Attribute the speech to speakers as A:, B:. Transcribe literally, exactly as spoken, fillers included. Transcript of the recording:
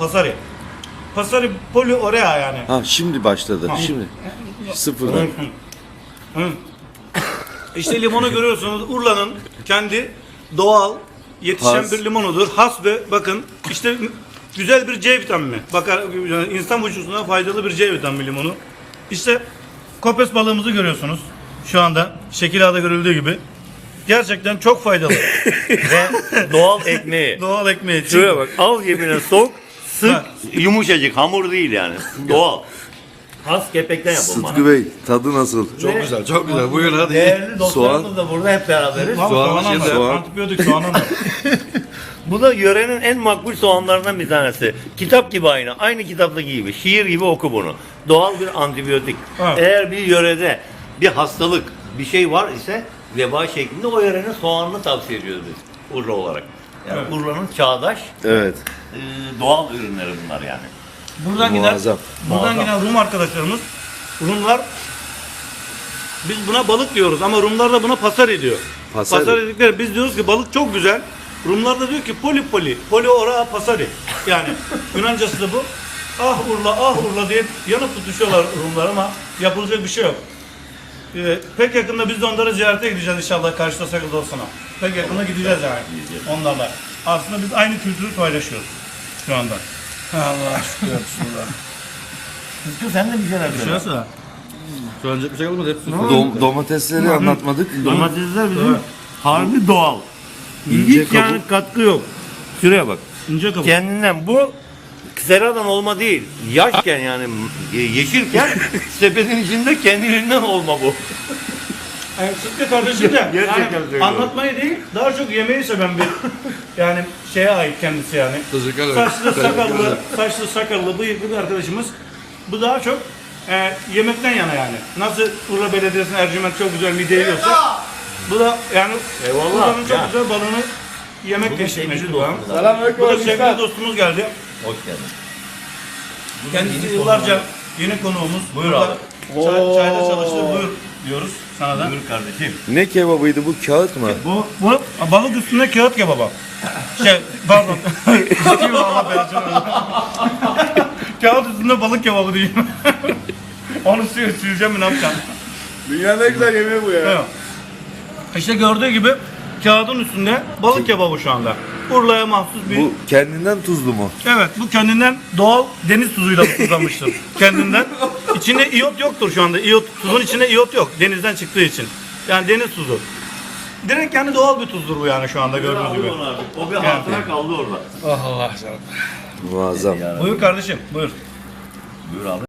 A: Pasari. Pasari poli orea yani.
B: Ha şimdi başladı.
A: Ha.
B: Şimdi. Sıfırdan.
A: Hı. İşte limonu görüyorsunuz. Urla'nın kendi doğal yetişen
B: Has.
A: bir limonudur. Has ve bakın işte güzel bir C vitamini. Bakar yani insan vücuduna faydalı bir C vitamini limonu. İşte kopes balığımızı görüyorsunuz. Şu anda şekil ağda görüldüğü gibi. Gerçekten çok faydalı.
C: Ve doğal ekmeği.
A: Doğal ekmeği.
C: Şuraya bak, al cebine sok, sık,
A: Ha.
C: yumuşacık, hamur değil yani. Doğal. Has kepekten yapılma.
B: Sıtkı Bey tadı nasıl?
D: Çok güzel, çok güzel. Buyurun hadi.
C: Değerli dostlarımız
B: Soğan.
C: da burada hep beraberiz.
A: Soğan,
D: Soğanı
A: soğan,
D: şimdi-
A: soğan, antibiyotik soğanı var.
C: Bu da yörenin en makbul soğanlarından bir tanesi. Kitap gibi aynı. Aynı kitaptaki gibi. Şiir gibi oku bunu. Doğal bir antibiyotik.
A: Evet.
C: Eğer bir yörede bir hastalık, bir şey var ise veba şeklinde o yörenin soğanını tavsiye ediyoruz biz Urla olarak. Yani
A: Evet.
C: Urla'nın çağdaş
B: Evet.
C: e, doğal ürünleri bunlar yani.
A: Buradan giden,
B: Muazzam.
A: buradan
C: Muazzam.
A: giden Rum arkadaşlarımız, Rumlar biz buna balık diyoruz ama Rumlar da buna pasari diyor.
B: Pasari.
A: Pasari dedikleri biz diyoruz ki balık çok güzel. Rumlar da diyor ki poli poli, poli ora pasari. Yani Yunancası da bu. Ah Urla, ah Urla diye yanıp tutuşuyorlar Rumlar ama yapılacak bir şey yok. Ee, pek yakında biz de onları ziyarete gideceğiz inşallah karşıda sakız olsana. Pek yakında gideceğiz yani onlarla. Aslında biz aynı kültürü paylaşıyoruz şu anda. Allah şükür. Bismillah.
C: Sıtkı sen de bir şeyler söyle.
A: Şurası.
D: Söyleyecek bir şey kalmadı. Hepsi
B: Dom- domatesleri anlatmadık.
C: Domatesler bizim harbi doğal.
B: İnce
C: Hiç yani katkı yok. Şuraya bak.
A: İnce kabuk.
C: Kendinden bu seradan olma değil. Yaşken yani ye- yeşilken sepetin içinde kendiliğinden olma bu.
A: Yani Sıtkı kardeşim de
C: Gerçekten
A: yani
C: söylüyorum.
A: anlatmayı değil daha çok yemeği seven bir yani şeye ait kendisi yani.
D: Teşekkür ederim.
A: Saçlı
D: Teşekkür
A: sakallı,
D: ederim.
A: saçlı sakallı bıyıklı bir arkadaşımız. Bu daha çok e, yemekten yana yani. Nasıl Urla Belediyesi'nin Ercüment çok güzel midye yiyorsa bu da yani
C: Eyvallah.
A: Urla'nın çok
C: Ya.
A: güzel balığını yemek
C: Bugün
A: geçirmek
C: sevgili
A: istiyor.
C: dostumuz.
D: Selamünaleyküm.
A: Bu da sevgili dostumuz geldi.
C: Hoş geldin.
A: Kendisi
C: yeni
A: yıllarca yeni konuğumuz.
C: Buyur
A: Burada
C: abi.
A: Çay, çayda çalıştı. Buyur diyoruz sana da.
C: Buyur kardeşim.
B: Ne kebabıydı bu? Kağıt mı?
A: Bu, bu balık üstünde kağıt kebaba. Şey pardon. Sikiyim Allah belasını. Kağıt üstünde balık kebabı diyeyim. Onu sü- süreceğim mi ne yapacağım?
D: Dünyanın en güzel yemeği bu ya.
A: Evet. İşte gördüğü gibi kağıdın üstünde balık kebabı şu anda. Urla'ya mahsus bir...
B: Bu kendinden tuzlu mu?
A: Evet bu kendinden doğal deniz tuzuyla tuzlanmıştır. Kendinden. İçinde iyot yoktur şu anda. İyot, tuzun içinde iyot yok. Denizden çıktığı için. Yani deniz tuzu. Direkt yani doğal bir tuzdur bu yani şu anda gördüğünüz gibi.
C: Aldı onu artık. O bir hatıra kaldı orada.
D: Ah Allah canım.
B: Muazzam.
A: Buyur kardeşim buyur.
C: Buyur abi.